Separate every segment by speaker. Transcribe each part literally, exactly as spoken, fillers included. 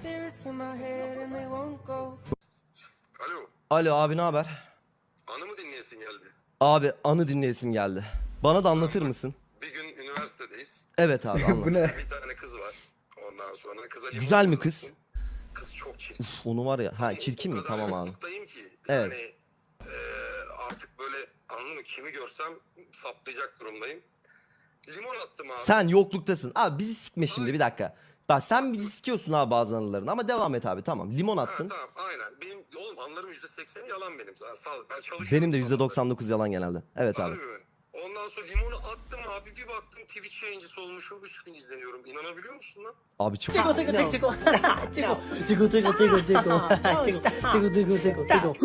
Speaker 1: Alo.
Speaker 2: Alo abi, ne haber?
Speaker 1: Anı mı dinleyesin geldi?
Speaker 2: Abi anı dinleyesim geldi. Bana da anlatır mısın?
Speaker 1: Bir gün üniversitedeyiz.
Speaker 2: Evet abi, anlat.
Speaker 3: Bu ne?
Speaker 1: Bir tane kız var. Ondan sonra kıza limon
Speaker 2: Güzel mi
Speaker 1: fırlattım.
Speaker 2: kız?
Speaker 1: Kız çok çirkin.
Speaker 2: Uf, onu var ya. Ha, çirkin mi?
Speaker 1: O kadar
Speaker 2: Tamam abi.
Speaker 1: yoklukdayım ki.
Speaker 2: Evet.
Speaker 1: Yani eee, artık böyle anladın mı? Kimi görsem saplayacak durumdayım. Limon attım abi.
Speaker 2: Sen yokluktasın. Abi bizi sikme şimdi, bir dakika. Bak sen bizi sikiyorsun abi bazı anılarını, ama devam et abi, tamam. Limon
Speaker 1: Ha,
Speaker 2: attın.
Speaker 1: tamam aynen. Benim oğlum anlarım yüzde seksen yalan benim. Sağ, sağ, ben çalışıyorum.
Speaker 2: Benim de yüzde
Speaker 1: sabahları.
Speaker 2: doksan dokuz yalan genelde. Evet abi.
Speaker 1: Harbi mi? Ondan sonra limonu attım abi, bir baktım Twitch yayıncısı olmuşum, üç bin izleniyorum. İnanabiliyor musun lan?
Speaker 2: Abi çok...
Speaker 4: 这个这个这个这个这个这个这个这个这个这个这个这个这个。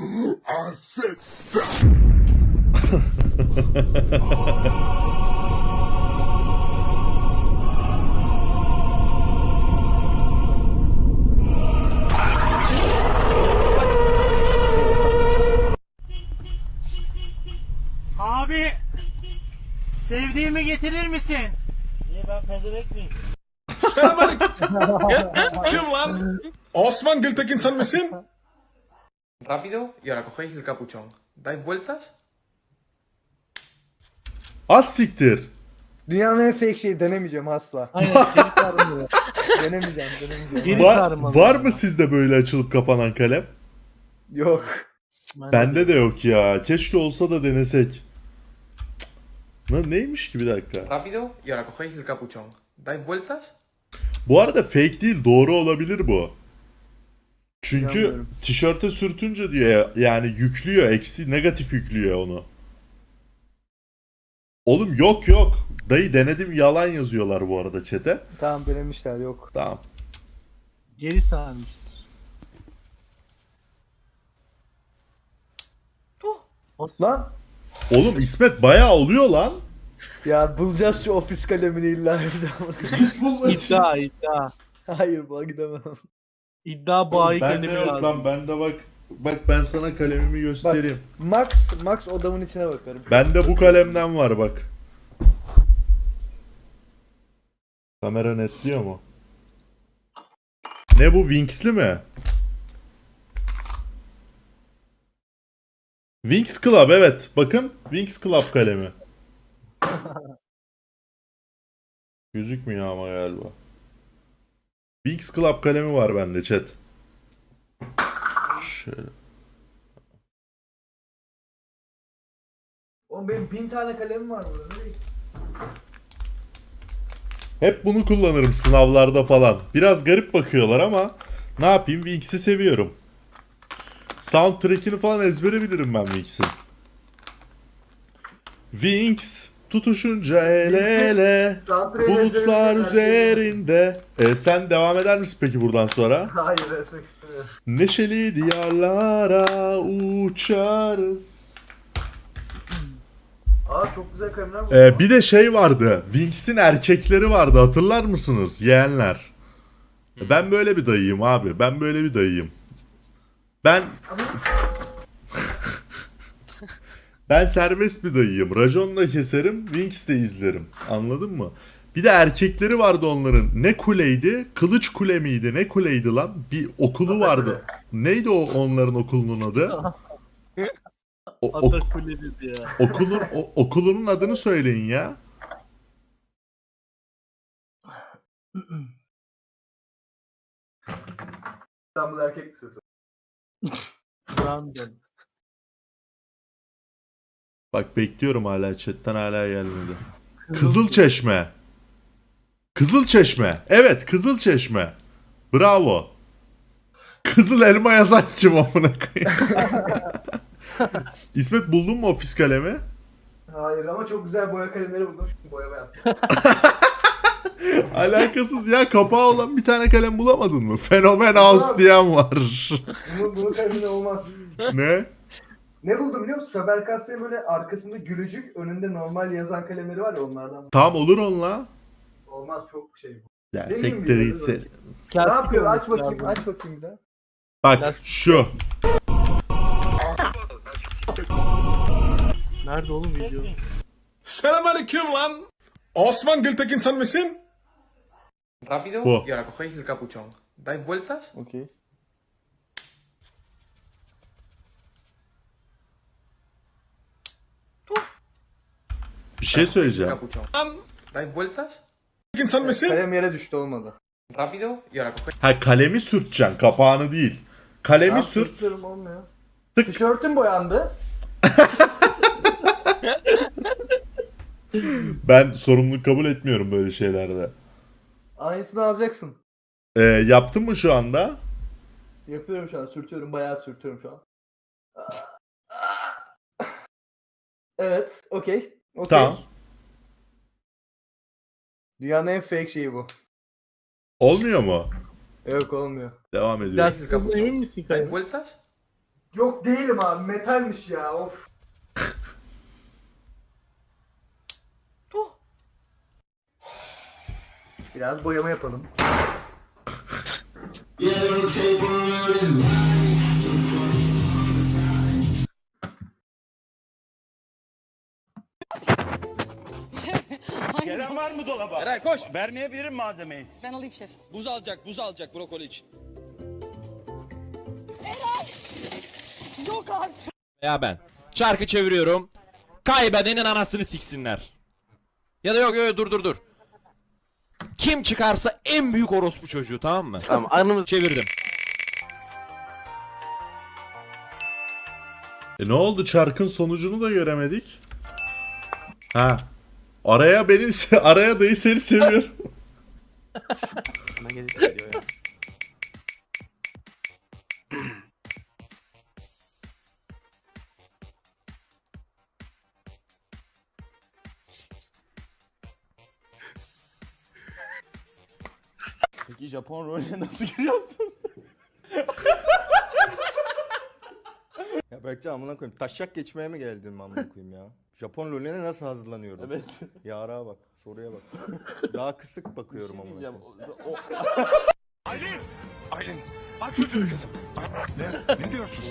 Speaker 5: Abi sevdiğimi getirir misin?
Speaker 4: Niye ben pezevenk miyim?
Speaker 6: Kim lan? Osman Gültekin sen misin?
Speaker 7: Rápido y ahora cogéis el capuchón. Dais vueltas.
Speaker 8: Az siktir.
Speaker 3: Dünyanın en fake şeyi, denemeyeceğim asla.
Speaker 4: Aynen geri sarmıyor.
Speaker 3: Denemeyeceğim, denemeyeceğim.
Speaker 4: Geri
Speaker 8: Va-
Speaker 4: sarmalı.
Speaker 8: var mı sizde böyle açılıp kapanan kalem?
Speaker 3: Yok.
Speaker 8: Bende de yok ya. Keşke olsa da denesek. Lan neymiş ki, bir dakika.
Speaker 7: Rápido y ahora cogéis el capuchón. Dais vueltas.
Speaker 8: Bu arada fake değil, doğru olabilir bu. Çünkü
Speaker 3: İnanmıyorum.
Speaker 8: tişörte sürtünce diyor yani yüklüyor, eksi negatif yüklüyor onu. Oğlum yok yok. Dayı denedim, yalan yazıyorlar bu arada chat'e.
Speaker 3: Tamam, denemişler, yok.
Speaker 8: Tamam.
Speaker 4: Geri sarmıştır.
Speaker 3: Lan
Speaker 8: Oğlum İsmet bayağı oluyor lan.
Speaker 3: ya, bulacağız şu ofis kalemini illa evde.
Speaker 4: İddia iddia.
Speaker 3: Hayır, buna gidemem.
Speaker 4: İddia bayi
Speaker 8: Bende
Speaker 4: kendimi
Speaker 8: yok
Speaker 4: lazım.
Speaker 8: lan, bende bak. Bak ben sana kalemimi göstereyim.
Speaker 3: Max, Max odamın içine bakarım.
Speaker 8: Bende bu kalemden var bak. Kamera netliyor mu? Ne bu, Winx'li mi? Winx Club, evet. Bakın Winx Club kalemi. Gözükmüyor ama galiba. Winx Club kalemi var bende chat. Şöyle.
Speaker 3: Oğlum benim bin tane kalemim var burada.
Speaker 8: Hep bunu kullanırım sınavlarda falan. Biraz garip bakıyorlar ama ne yapayım, Winx'i seviyorum. Soundtrack'ini falan ezbere bilirim ben Winx'in. Winx tutuşunca el ele bulutlar üzerinde. E, sen devam eder misin peki buradan sonra?
Speaker 3: Hayır, etmek istemiyorum.
Speaker 8: Neşeli diyarlara uçarız.
Speaker 3: Aa, çok güzel kalemler bu.
Speaker 8: E, bir de şey vardı. Winx'in erkekleri vardı, hatırlar mısınız yeğenler? Ben böyle bir dayıyım abi. Ben böyle bir dayıyım. Ben ben serbest bir dayıyım. Racon da keserim, Winx de izlerim. Anladın mı? Bir de erkekleri vardı onların. Ne kuleydi? Kılıç Kule miydi? Ne kuleydi lan? Bir okulu vardı. Neydi o onların okulunun adı? O, ok-
Speaker 4: Atakule dedi ya.
Speaker 8: okulun o- okulunun adını söyleyin ya.
Speaker 3: İstanbul Erkek Lisesi.
Speaker 4: Brandon.
Speaker 8: Bak bekliyorum hala, chatten hala gelmedi. Kızılçeşme. Kızılçeşme. Evet, Kızılçeşme. Bravo. Kızıl elma yazan kim amına koyayım? İsmet, buldun mu ofis kalemi?
Speaker 3: Hayır, ama çok güzel boya kalemleri buldum. Şimdi boyama yaptım.
Speaker 8: Alakasız ya, kapağı olan bir tane kalem bulamadın mı? Fenomen House diyen var.
Speaker 3: Bunun, bunun kaleminde olmaz.
Speaker 8: Ne?
Speaker 3: Ne buldum biliyor musun? Faber-Castell böyle arkasında gülücük, önünde normal yazan kalemleri var ya, onlardan.
Speaker 8: Tam olur onunla.
Speaker 3: Olmaz, çok şey bu.
Speaker 8: Ya
Speaker 3: Deneyim
Speaker 8: sektir
Speaker 3: bir
Speaker 8: gitse.
Speaker 3: Ne
Speaker 4: Plastik
Speaker 3: yapıyor? Aç
Speaker 4: olması
Speaker 3: bakayım,
Speaker 4: lazım.
Speaker 3: aç bakayım bir daha.
Speaker 8: Bak şu.
Speaker 4: Nerede oğlum video?
Speaker 6: Selamünaleyküm lan. Osman Gültekin sen misin?
Speaker 7: Rápido
Speaker 8: Bu.
Speaker 7: y ahora cogéis el capuchón. dais vueltas
Speaker 4: Okay.
Speaker 8: Bir şey
Speaker 7: el
Speaker 8: söyleyeceğim.
Speaker 7: capuchón. Dais vueltas
Speaker 6: ¿İnsan mısın?
Speaker 3: Kalem yere düştü olmadı.
Speaker 7: rápido y ahora cogéis
Speaker 8: Ha kalemi sürteceksin, kapağını değil. Kalemi
Speaker 3: Ya,
Speaker 8: sürt.
Speaker 3: sürtüyorum, olmuyor.
Speaker 8: Tık.
Speaker 3: Tişörtüm boyandı.
Speaker 8: Ben sorumluluk kabul etmiyorum böyle şeylerde.
Speaker 3: Aynısını alacaksın.
Speaker 8: Ee, yaptın mı şu anda?
Speaker 3: Yapıyorum şu an. Sürtüyorum. Bayağı sürtüyorum şu an. Evet. Okey. Okey.
Speaker 8: Tamam.
Speaker 3: Dünyanın en fake şeyi bu.
Speaker 8: Olmuyor mu?
Speaker 3: Yok, olmuyor.
Speaker 8: Devam ediyor.
Speaker 4: Biraz hızlı emin misin
Speaker 7: dais
Speaker 4: Kayra?
Speaker 7: vueltas
Speaker 3: Yok değilim abi. Metalmiş ya. Of. Biraz boyama yapalım.
Speaker 9: Gelen var mı dolaba? Eray koş. Vermeyebilirim malzemeyi.
Speaker 10: Ben alayım şef.
Speaker 9: Buz alacak, buz alacak brokoli için.
Speaker 10: Yok artık.
Speaker 9: Ya ben. Çarkı çeviriyorum. Kaybedenin anasını siksinler. Ya da yok yok dur dur dur. Kim çıkarsa en büyük orospu çocuğu, tamam mı?
Speaker 4: Tamam, anımız
Speaker 9: Çevirdim.
Speaker 8: E ne oldu? Çarkın sonucunu da göremedik. Ha. Araya beni araya dayı seni seviyorum.
Speaker 9: Peki Japon rolüne nasıl giriyorsun?
Speaker 11: Ya Berkcan amına koyayım. Taşak geçmeye mi geldin amına koyayım ya? Japon LoL'üne nasıl hazırlanıyorum?
Speaker 9: Evet.
Speaker 11: Yara bak, soruya bak. Daha kısık bakıyorum amına koyayım.
Speaker 9: Aylin! Aylin! Aç çocuğu kızım. Ne? Ne diyorsun?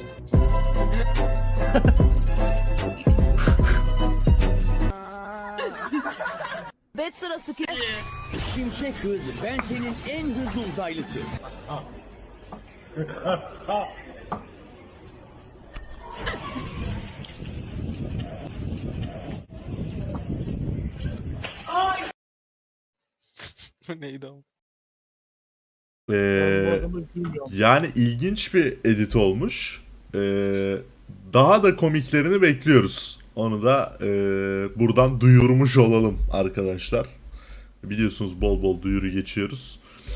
Speaker 10: Bet sırası ki.
Speaker 9: Şimşek hız. Ben senin en hızlı uzaylısı.
Speaker 7: neydi o?
Speaker 8: Ee, yani ilginç bir edit olmuş. Ee, daha da komiklerini bekliyoruz. Onu da e, buradan duyurmuş olalım arkadaşlar. Biliyorsunuz bol bol duyuru geçiyoruz.